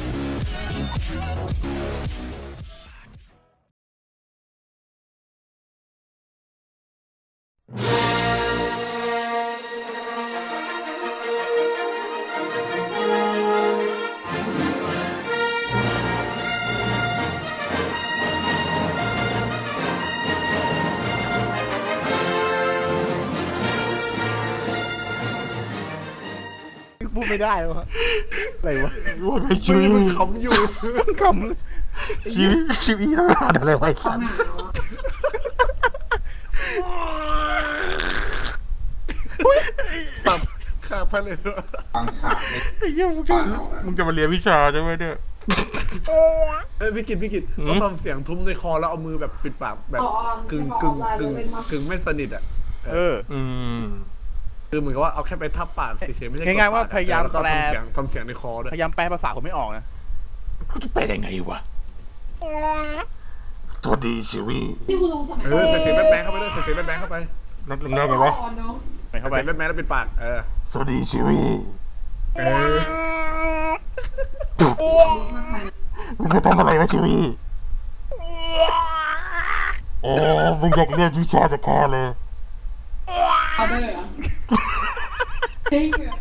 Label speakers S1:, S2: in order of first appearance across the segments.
S1: พูดไม่ได้วะอะไรวะ
S2: ว่าไงชีวิต
S1: ขำอยู่ขำ
S2: ชีวิตทำงานอะไรไว้สัน
S1: สับข้าพเลยด้วย
S3: บางฉากใน
S2: ไอ้เหี้ยมึงจะมาเรียนวิชาใช่ไหมเนี่ย
S1: พี่กิตต้องทำเสียงทุ้มในคอแล้วเอามือแบบปิดปากแบบกึ่งไม่สนิทอ่ะคือเหมือนกับว่าเอาแค่ไปทับปากเฉยๆไม่ใช่ง่ายๆว่าพยายามแปลทำเสียงในคอด้วยพยายามแปลภาษาผมไม่ออกนะ
S2: กูจะไปได้ไงวะสวัสดีชีวิต
S4: ที่คุณลุงสมัย
S1: ใส่เสียงแบงเข้าไปด้วยใส่เสียงแบงเข้าไป
S2: นัดลำหน้ากันวะ
S1: ใส่เข้าไปแบงแล้วปิดปาก
S2: สวัสดีชีวิตมึงจะทำอะไรวะชีวิตโอ้มึงอยากเรียนวิชาจะแค่เลย
S4: เอาได้เหรอจริงเหรอ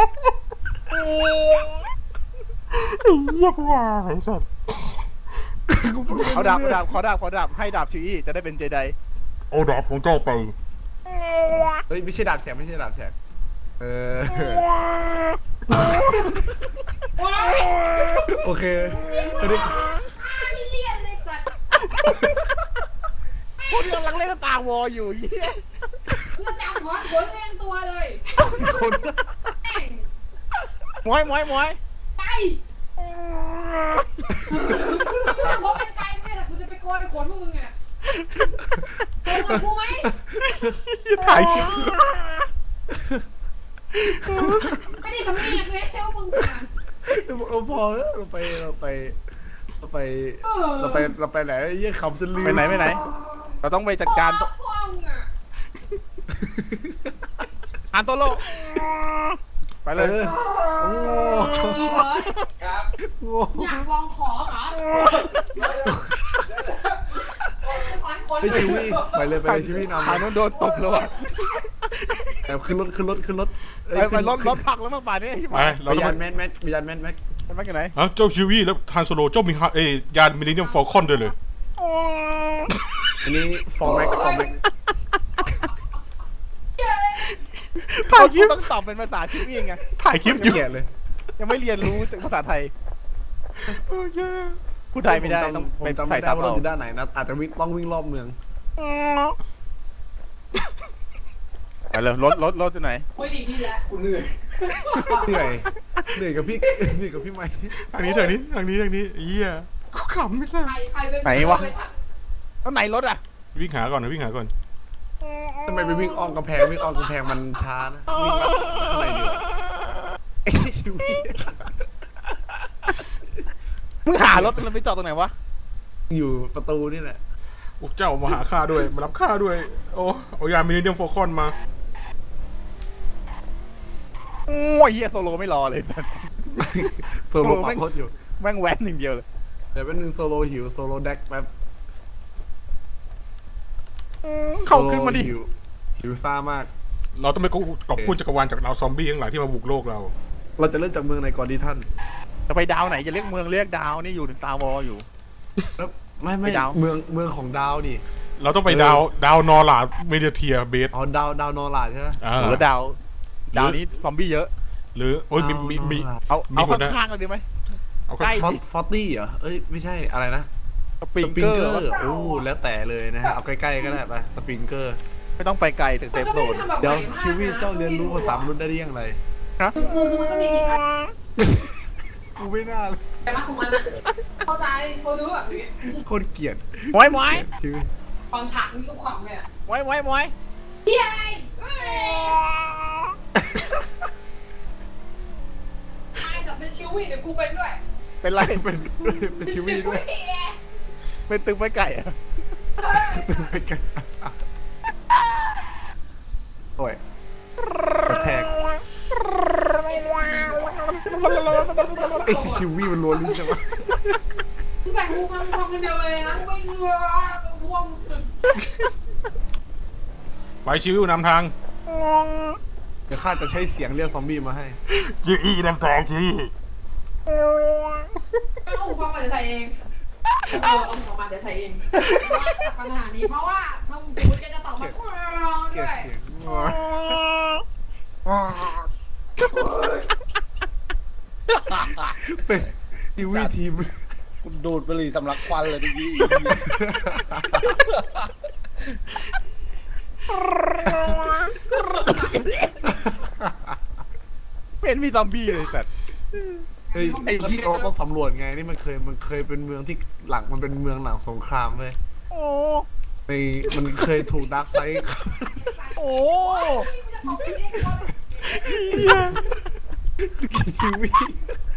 S2: เยี่ยมว่ะไอ้สัส
S1: เอาดาบขอดาบให้ดาบชิวี่จะได้เป็นเจได
S2: โอ้ดาบของเจ้าไป
S1: เฮ้ยไม่ใช่ดาบแฉกโอเคอันนี้
S4: พี่เลียนเลยสัตว์
S1: พวกที่กำลังเล่นตาวออยู่เยี่ย
S4: เพื่อจับหัวขนเล่นตัวเลย
S1: คน
S4: แม่ง
S1: มวย
S4: ไปกูจะพบเป็นไกลไม่ได้แต่กูจะไปโกนขนพวกมึงอ่ะโกนกับกูไหม
S2: ถ่ายคลิป
S4: ไม่ได้สำเนียกเลยว่ามึงอ่ะ
S1: เราพอแล้วเราไปไหนเยี่ยคำจะลืมไปไหนเราต้องไปจัดการ
S4: พ่อมึงอ่ะ
S1: อันโตโลไปเลยโอ้
S4: อีเบิร์ดอยากลองขอเหรอ
S1: ไปชีวิตไปเลยชีวิตนำอันนั้นโดนตบแล้วอ่ะขึ้นรถไปรถพักแล้วเมื่อป่านนี้ไปยานแมนกันไหน
S2: เจ้าชีวิตแล้วทานโซโลเจ้ามียานมิลเลนเนียมฟอลคอนด้วยเลย
S1: อันนี้ฟอร์แม็ก
S2: ถ่ายคลิป
S1: ต้องตอบเป็นภาษาชีวิตไง
S2: ถ่ายคลิปอยู่
S1: เลยยังไม่เรียนรู้ภาษาไทยพูดไทยไม่ได้ต้องเป็นใส่ตามเราด้านไหนนะอาจจะต้องวิ่งรอบเมืองไปเลยรถที่ไหน
S4: โอ้ยดีนี่แหละ
S1: กูเหนื่อยกับพี่ไม้
S2: ทางนี้เยี่ยกูขำไม่ใช่
S4: ใครเป็น
S1: ไหนวะแล้วไหนรถอ่ะ
S2: วิ่งหาก่อน
S1: ทำไมไปวิ่งอ้อมกำแพงมันช้านะวิ่งข้างในอยู่มึงหารถมันไปจอดตรงไหนวะอยู่ประตูนี่แหละ
S2: พวกเจ้ามาหาข้าด้วยมารับข้าด้วยโอ้เอายานมิลเลนเนียมฟอลคอนมา
S1: โอ้ยเฮียโซโลไม่รอเลยโซโลปักรถอยู่แม่งแว้นหนึ่งเดียวเลยเดี๋ยวเป็นหนึ่งโซโลหิวโซโลแดกแป๊บเข้าขึ้นมาดิหิวซ่ามาก
S2: เราต้องไปกอบกู้จักรวาลจากดาวซอมบี้ทั้งหลายที่มาบุกโลกเรา
S1: จะเริ่มจากเมืองไหนก่อนดีท่านจะไปดาวไหนจะเรียกเมืองเรียกดาวนี่อยู่ในตาวออยู่ไม่ดาวเมืองของดาวนี่
S2: เราต้องไปดาวนอร์ลาเมเดียเทียเบส
S1: อ๋อดาวนอร์ลาใช่ไหมหรือดาวนี้ซอมบี้เยอะ
S2: หรือโอ้ยมี
S1: เอาข้างๆกันดีไหมใกล้ฟอร์ตี้เหรอเอ้ยไม่ใช่อะไรนะสปริงเกอร์โอ้แล้วแต่เลยนะฮะเอาใกล้ๆก็ได้ไปสปริงเกอร์ไม่ต้องไปไกลถึงเซฟโซนเดี๋ยวชีวิตเจ้าเรียนรู้ภาษามนุษย์ได้ยังไงฮะ
S4: คือมันก็มีอีกอัน
S1: กูไม่น่าเลย
S4: แต่ละของมันเข้าใจเขาดูแบบนี้
S1: โคตรเกลียดมวย
S4: ฟังฉากนี้ก็ขวางเลยอ่ะ
S1: มวย
S4: เฮียไอ้แต่เป็นชิวี่เดี๋ยวกูเป็นด้วย
S1: เป็นไรเป็นชิวี่ด้วยเป็นตึงไปไก่อะไปไก่โอ้ยกระแทกไอ้ชิวี่มันรัวลิ้นจังวะ
S4: มึงใส่หูฟังคนเดียวเลยนะไม่เงือพวง
S2: ไปชีวิวนำทาง
S1: เดี๋ยวข้าจะใช้เสียงเรียกซอมบี้มาให้
S2: ชีวินำทางชีวิ
S4: เอาหูฟังมาจะใส่เองเอาของมาจะใส่เองปัญหานี้เพราะว่าถ้ามึงพูดจะตอบมา
S1: เกลี
S4: ด้
S1: ยด
S4: วย
S1: เสียงเป็นชิวี่ทีม
S3: คุณดูดบุหรี่สำลักควันเลยเมื่อกี้
S5: เป็นมีซอมบี้เลยสัตว์
S1: เฮ้ยไอ้ที่เราต้องสำรวจไงนี่มันเคยเป็นเมืองที่หลังมันเป็นเมืองหลังสงครามเลย
S5: โอ้
S1: ในมันเคยถูกดาร์กไซด์
S5: โอ้
S1: ชีวิต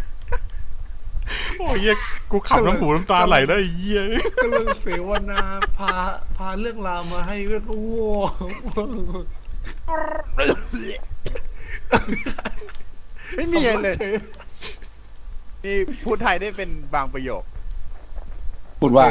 S2: โอ้ยกูขับน้ำหูน้ำตาไหลได้เยี่ย
S1: ก็เรื่องเสวนาพาเรื่องราวมาให้เรื่องโอ้โห
S5: ไม่มีอะไรเลยนี่พูดไทยได้เป็นบางประโยค
S3: พูดว่า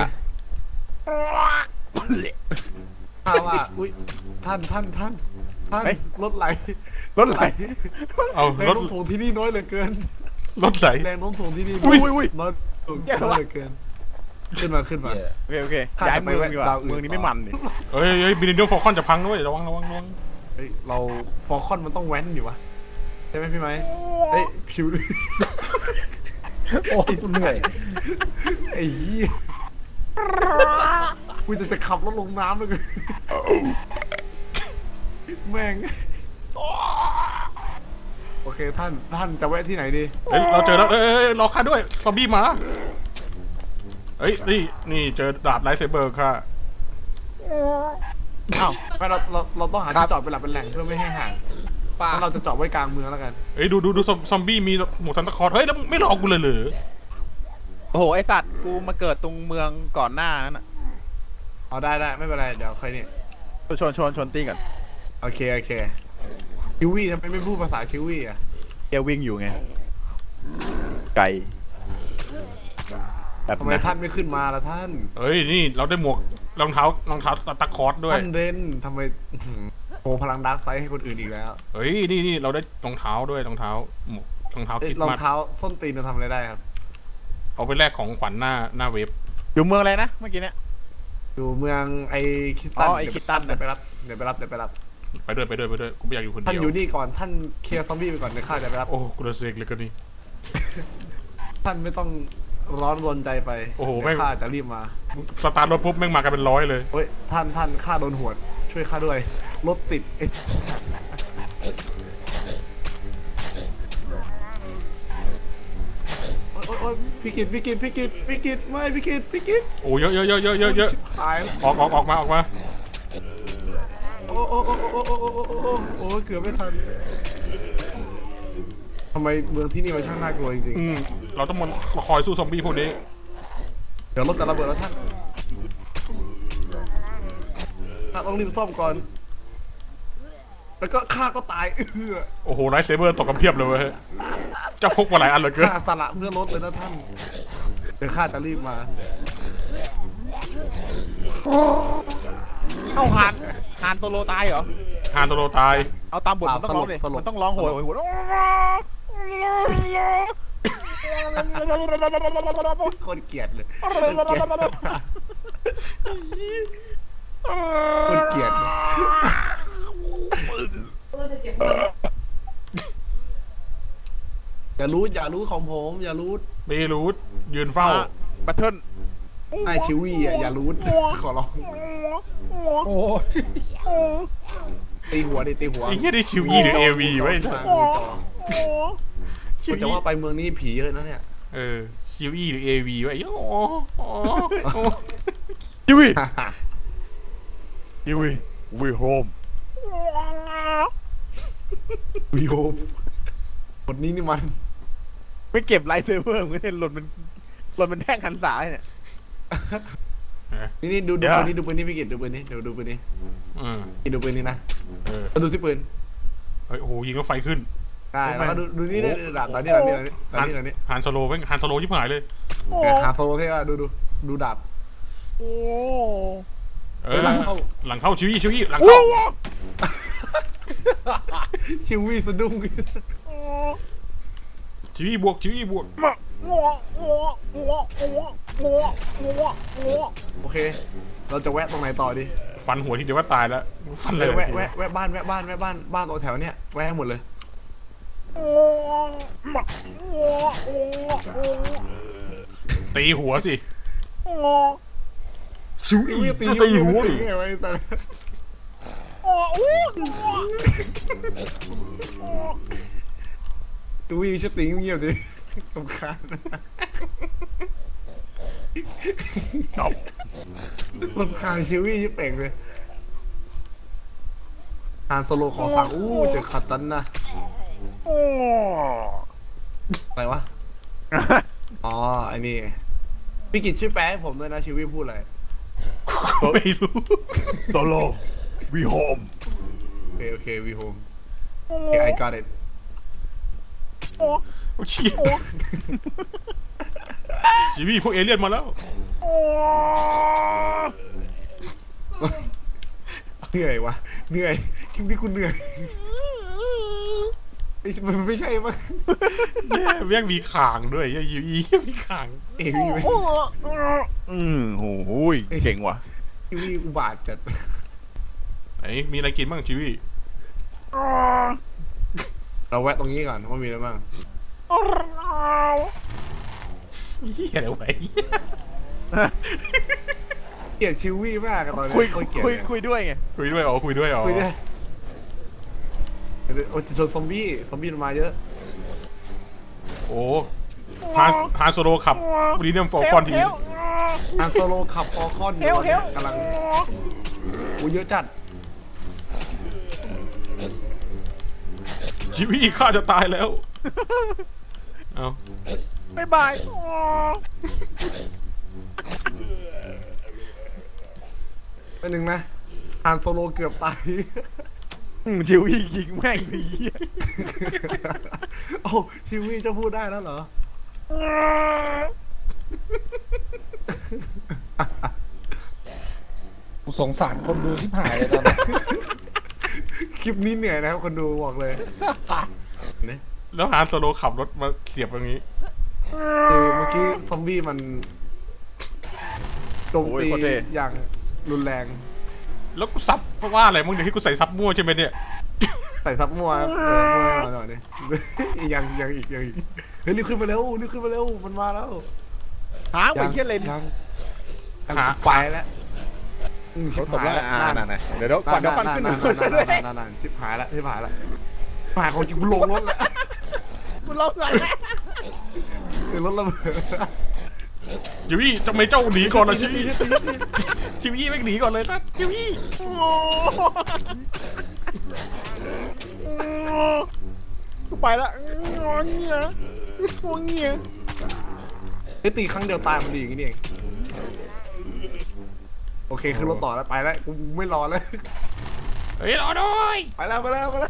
S1: ถ้าว่าอุ้ยท่าน
S5: เฮ้ย
S1: รถไหล
S5: รถไหล
S2: เอา
S1: แรง
S2: รถ
S1: โน้มถ่วงที่นี่น้อยเหลือเกิน
S2: รถไหล
S1: แรงโน้มถ่วงที่นี่
S5: อุ้ยอุ้ย
S1: น้อยเหลือเกินขึ้นมา
S5: โอเคย้ายเมืองดีกว่าเมืองนี้ไม่มันนี่
S2: เฮ้ยบินเดียวฟอลคอนจะพังด้วยระวัง
S1: เฮ้ยเราฟอลคอนมันต้องแว้นอยู่วะใช่ไหมพี่ไม้เฮ้ยผิว
S3: โอ้ยเหนื่อย
S1: ไอ้เหี้ยกูจะขับรถลงน้ำเลยแม่งโอเคท่านจะแวะที่ไหนดี
S2: เฮ้ยเราเจอแล้วรอข้าด้วยซอมบี้มาเฮ้ยนี่เจอดาบไลท์เซเบอร์ค่ะ
S1: อ้าวไม่เราต้องหาที่จอดเป็นหลักเป็นแหล่งเพื่อไม่ให้ห่างป้าเราจะจอดไว้กลางเมืองแล้วกัน
S2: เฮ้ยดูซอมบี้มีหมูซันตาคลอร์เฮ้ยแล้วไม่รอกูเลยเหรอ
S5: โอ้โหไอสัตว์กูมาเกิดตรงเมืองก่อนหน้านั้นอ่ะ
S1: เอาได้ไม่เป็นไรเดี๋ยวค่อยนี่
S5: ชนตีก่อน
S1: โอเคชิวี่ทำไมไม่พูดภาษาชิวี่อ่ะ
S5: แกวิ่งอยู่ไงไก่แบบ
S1: ทำไม
S5: นั้น
S1: ท่านไม่ขึ้นมาล่ะท่าน
S2: เฮ้ยนี่เราได้หมวกรองเท้าตาคลอร์ด้วย
S1: ท่านเรนทำไมโชว์พลังดาร์กไซด์ให้คนอื่นอีกแล้ว
S2: เฮ้ยนี่เราได้รองเท้าด้วยรองเท้าหมวกรองเท้าคิด
S1: รอง
S2: มา
S1: เท้าส้นตีนจะทำอะไรได้ครับ
S2: เอาไปแลกของขวัญหน้าเว็บ
S5: อยู่เมืองอะไรนะเมื่อกี้เนี่ย
S1: อยู่เมืองไอ้คิสตัน
S5: อ๋อไอ้คิสตัน
S1: เดี๋ยวไปรับ
S2: ไปด้วยกูไม่อยากอยู่คน
S1: ท่าน
S2: เดียว
S1: อยู่นี่ก่อนท่านเคลียร์ซอมบี้ไปก่อนเดี๋ยวข้าจะไปรับ
S2: โอ้กูระเซกเลยกันนี่
S1: ท่านไม่ต้องร้อนรนใจไป
S2: โอ้โห
S1: เดี๋ยว
S2: แม่ง
S1: ข้าจะรีบมา
S2: สตาร์ทรถปุ๊บแม่งมากันเป็นร้อยเลย
S1: เฮ้ยท่านข้าโดนหวดช่วยข้าด้วยรถติดเอ้ยโอ๊ยพี่กิตไม่พี่กิต
S2: โอ้เยอะ
S1: ตาย
S2: ออกมา
S1: โอ้เกือบไม่ทันทำไมเมืองที่นี่มันช่างน่ากลัวจริง
S2: เราต้องมาคอยสู้ซอมบี้พวกนี้
S1: ๆเดี๋ยวรถจะระเบิดแล้วท่านต้องรีบซ่อมก่อนแล้วก็ข้าก็ตาย
S2: โอ้โหไลท์เซเบอร์ตกกันเพียบเลยเว้ยเจ้าพกมาหลายอันเหลือเกิน
S1: ข้าสละเพื่อรถเลยนะท่านเดี๋ยวข้าจะรีบมา
S5: เอ้าฮานโซโลตายเหรอ
S2: ฮานโตโรตาย
S5: เอาตามบทมันต้องร้องเลยมันต้องร้องโหย
S1: คนเกลียดเลยคนเกลียดอย่ารู้ของผมอย่ารู้
S2: เบรูทยืนเฝ้า
S5: บัตเทิล
S1: ไอชิวี่อ่ะอย่ารู้ขอร้อง
S3: โอ้
S1: ตีหัวดิตีหัว
S2: ไอ้เหี้ยได้คิวอีหรือเอวีไว้ คิว
S1: แต่
S2: อี
S1: ว่าไปเมืองนี้ผีเยอะนะเนี่ย
S2: คิวอีหรือเอวีไว้โอ้
S5: ยูวีวีโฮม
S1: วิโอหมดนี้นี่มัน
S5: ไม่เก็บไลท์เซเวอร์มันเนี่ยหล่นมันแท่งหันสายเนี่ย
S1: นี่ดูปืนนี้ดูปืนนี้พี่กิตดูปืนนี้ดูปืนนี้ดูปืนนี้นะดูที่ปืน
S2: เฮ้ยโอ้โหยิงแล้วไฟขึ้น
S1: ได้แล้วก็ดูนี่ได้ดาบตอนนี้
S2: ฮานโซโลเป็นฮานโซโลชิบหายเลย
S1: หาโซโลเท่อะดูดาบ
S5: โอ้
S2: หลังเข้าชิวี่หลังเข้า
S1: ชิวี่สะดุ้ง
S2: ชิวี่บวก
S1: โอเค เราจะแวะตรงไหนต่อดี
S2: ฟันหัวทีเดียวว่าตายแล้วฟันเลย
S1: แวะบ้านตัวแถวเนี้ยแวะหมดเลย
S2: ตีหัวสิ
S1: ชิวี่ตีหัวไงไว้แต่ชิวี่จะตีเงียบดิสำคัญรำคาญชิวี่ยิ่งเป่งเลยฮานโซโลขอสั่งเจอขัดตันนะอะไรวะ อ๋อไอ้นี่พี่กิจช่วยแปลให้ผมด้วยนะชิวี่พูดอะไร
S2: ไม่รู้
S5: โซโลวีโฮม
S1: โอเควีโฮมโอเค I got it
S2: โอ้เชี่ยชิวี่พวกเอเลี่ยนมาแล้ว
S1: เหนื่อยวะเหนื่อยคลิปนี้กูเหนื่อยมันไม่ใช่มั้ง
S2: แม่งมีขางด้วยยูอีมีขาง
S1: เอวี่ไหม
S5: โอ้โหเก่งว่ะ
S1: ชิวี่อุบาทจัด
S2: ไหนมีอะไรกินบ้างชิวี่
S1: เราแวะตรงนี้ก่อนว่ามีอะไรบ้าง
S2: เหี้ยอะไรวะ
S1: เกลียดชิวี่มากอะตอนนี้
S5: คุยด้วยไง
S2: คุยด้วยอ๋อ
S1: คุยได้โอ้จนซอมบี้มันมาเยอะ
S2: โอ้ฮานโซโลขับรีเนียมฟอร์ฟอนที
S1: อันโซโลขับฟอร์คอนอยู่เนี่ยกำลังเยอะจัด
S2: ชิวี่ข้าจะตายแล้วเอา
S5: บ๊ายบาย
S1: ไปหนึ่งนะอันโซโลเกือบตาย
S5: ชิวยิงแม่งดี
S1: โอ้ชิวี่จะพูดได้แล้วเหรอ
S3: กูสงสารคนดูที่หายเลยตอนนี้
S1: คลิปนี้เหนื่อยนะครับคนดูบอกเลยเนี่ย
S2: แล้วฮานโซโลขับรถมาเสียบตรงนี้
S1: คือเมื่อกี้ซอมบี้มันโจมตีอย่างรุนแรง
S2: แล้วกูซับว่าอะไรมึงเดี๋ยวที่กูใส่ซับมั่วใช่ไหมเนี่ย
S1: ใส่ซับมั่วมั่วหน่อยนี่ยังอีกเฮ้ยรีบขึ้นมาเร็วมันมาแล้ว
S5: หางไปเที่ยเลน
S1: ยังไปแล้ว
S5: เขาตบแล้วนั่นเดี๋ยวก่อนขึ้นหนึ่ง
S1: นั่นชิบหายแล้วหายของจริงกูลงรถแล้ว
S5: คุณลบเลย
S1: รถระเบิด
S2: ชิวี่ทำไมเจ้าหนีก่อนล่ะชิวี่ชิวี่ไม่งหนีก่อนเลยนะชิวี่
S5: กูไปละงอเงี้ย
S1: ตีครั้งเดียวตายมันดีอย่างนี้เองโอเคขึ้นรถต่อแล้วไปแล้วกูไม่รอแล้ว
S2: เฮ้ยรอด้วย
S1: ไปแล้ว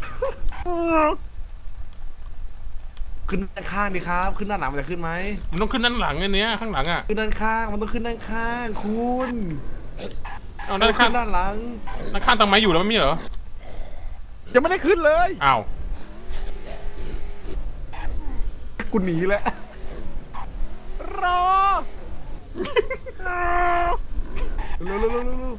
S1: ขึ้นด้านข้างดิครับขึ้นด้านหลังมันจะขึ้นไหม
S2: มันต้องขึ้นด้านหลังไอ้เนี้ยข้างหลังอ่ะ
S1: ขึ้นด้านข้างมันต้องขึ้นด้านข้างคุณ
S2: เอาด้านข้าง
S1: ด้านหลัง
S2: ด้านข้างทำไมอยู่แล้วไม่มีเหรอ
S5: ยังไม่ได้ขึ้นเลย
S2: อ้าว
S1: กูหนีแล้ว
S5: รอ
S1: เร็ว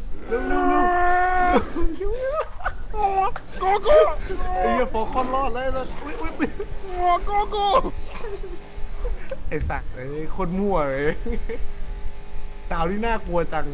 S5: โกโก้
S1: ไอ้เหี้ยโฟคอนรอดแล้วอุ้ย
S5: โกโก้
S1: ไอ้สักไอ้คนมั่วเลยดาวที่น่ากลัวจัง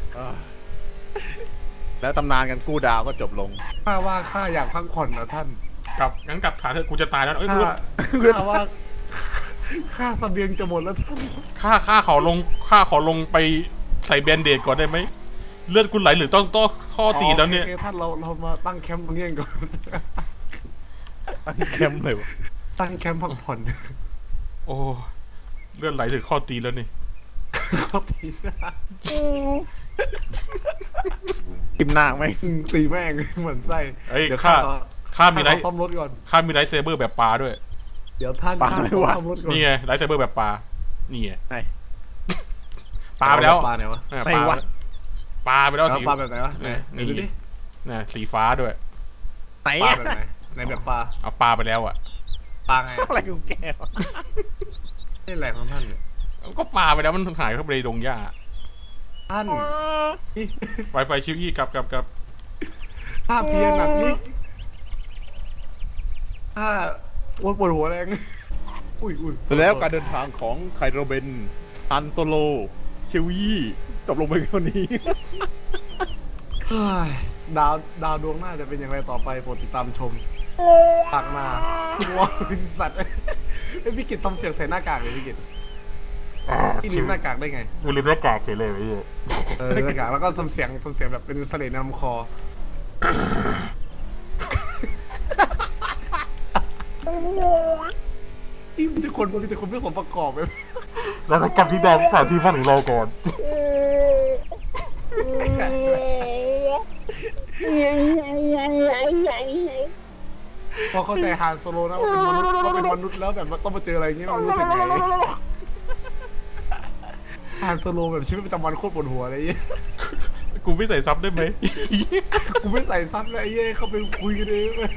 S5: แล้วตำนานกันกู้ดาวก็จบลง
S1: ข้าอยากพักผ่อนนะท่าน
S2: งั้นกลับฐานเถอะกูจะตายแล้วเอ้ย
S1: ข้าว่าข้าเสบียงจะหมดแล้วท่าน
S2: ข้าขอลงไปใส่แบนเดดก่อนได้ไหมเลือดกูไหลหรือต้องข้อตีแล้วเนี่ย
S1: โอคท่านเรามาตั้งแคมป์ตรงนี้ก่อน
S5: ตั้งแคมป์เลยวะ
S1: ตั้งแคมป์พักผ่อน
S2: โอ้เลือดไหลถึงข้อตีแล้วนี่
S1: ครับตี
S5: กิมนางไหม
S1: ตีแม่งเหมือนไส้
S2: เอ้ย
S1: เดี๋ยว
S2: ข้าข้ามีไล
S1: ท่าน
S2: ท์
S1: ขอซ่อมรถก่อน
S2: ข้ามีไลท์เซเบอร์แบบปลาด้วย
S1: เดี๋ยวท่าน
S5: ปลา
S1: ข้า
S5: อะไร
S1: ขอ
S5: วะ
S1: ซ่อมรถก่อน
S2: นี่ไงไลท์เซเบอร์แบบปลานี่ไง
S5: ไหน
S2: ปลาไปแล้ว
S1: ปลาไหนวะ
S5: ไหนวะ
S2: ปลาไปแล้ว
S1: เอา
S2: สี
S1: ปลาแบบไหนวะไหนไหนดูดิ
S2: น่ะสีฟ้าด้วย
S5: ไหน
S1: ปลา
S5: อะ
S1: แบบไหนไหนแบบปลา
S2: เอาปลาไปแล้วอ่ะ
S1: ปลาไง
S5: อะไรของแกวะ
S1: นี่แหล่งของท่านเนี่ย
S2: ก็ปลาไปแล้วมันหายเข้าไปในดงหญ้า
S1: ท่าน
S2: ไปชิวอี้กลับ
S1: ถ้าเพียงหนักนี้ถ้าอ้วนปวดหัวแรงอุ้ย
S5: แล้วการเดินทางของไคโรเบนฮันโซโลชิวยี่จบลงไปเท่านี้
S1: เฮ้ยดาวดวงหน้าจะเป็นอย่างไรต่อไปโปรดติดตามชมปากมาว้าวสัตว์ไอ้พี่กิตทำเสียงใส่หน้ากากเลยพี่กิตพี่ลืมหน้ากากได้ไง
S2: กูลืมหน้ากากเฉยเลยไอ้เหี้ย
S1: หน้ากากแล้วก็ทำเสียงแบบเป็นเสลดในลำคอที่มีแต่คนไม่สมประกอบเลย
S2: แล้วกลับที่แดนสถานที่พักของเราก่อน
S1: พอเข้าใจฮานโซโลนะว่าเป็นมนุษย์แล้วแบบต้องมาเจออะไรอย่างเงี้ยมันรู้สึกไงฮานโซโลแบบชีวิตประจำวันโคตรปวดหัวอะไรอย่างเงี้ย
S2: กูไม่ใส่ซับได้ไหม
S1: กูไม่ใส่ซับเลยไอ้เหี้ยเขาไปคุยกันเองเลย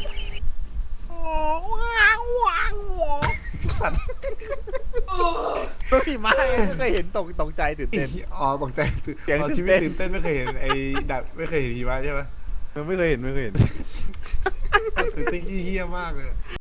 S1: สัตว์
S5: พี่มาไม่เคยเห็นตกใจตื่นเต้น
S1: อ๋อตกใจ
S5: เสียง
S1: ชีวิตตื่นเต้นไม่เคยเห็นไอ้ดับไม่เคยเห็นหิมะใช่ไหม
S5: ไม่เคยเห็น
S1: ตื่นเต้นเหี้ยมากเลย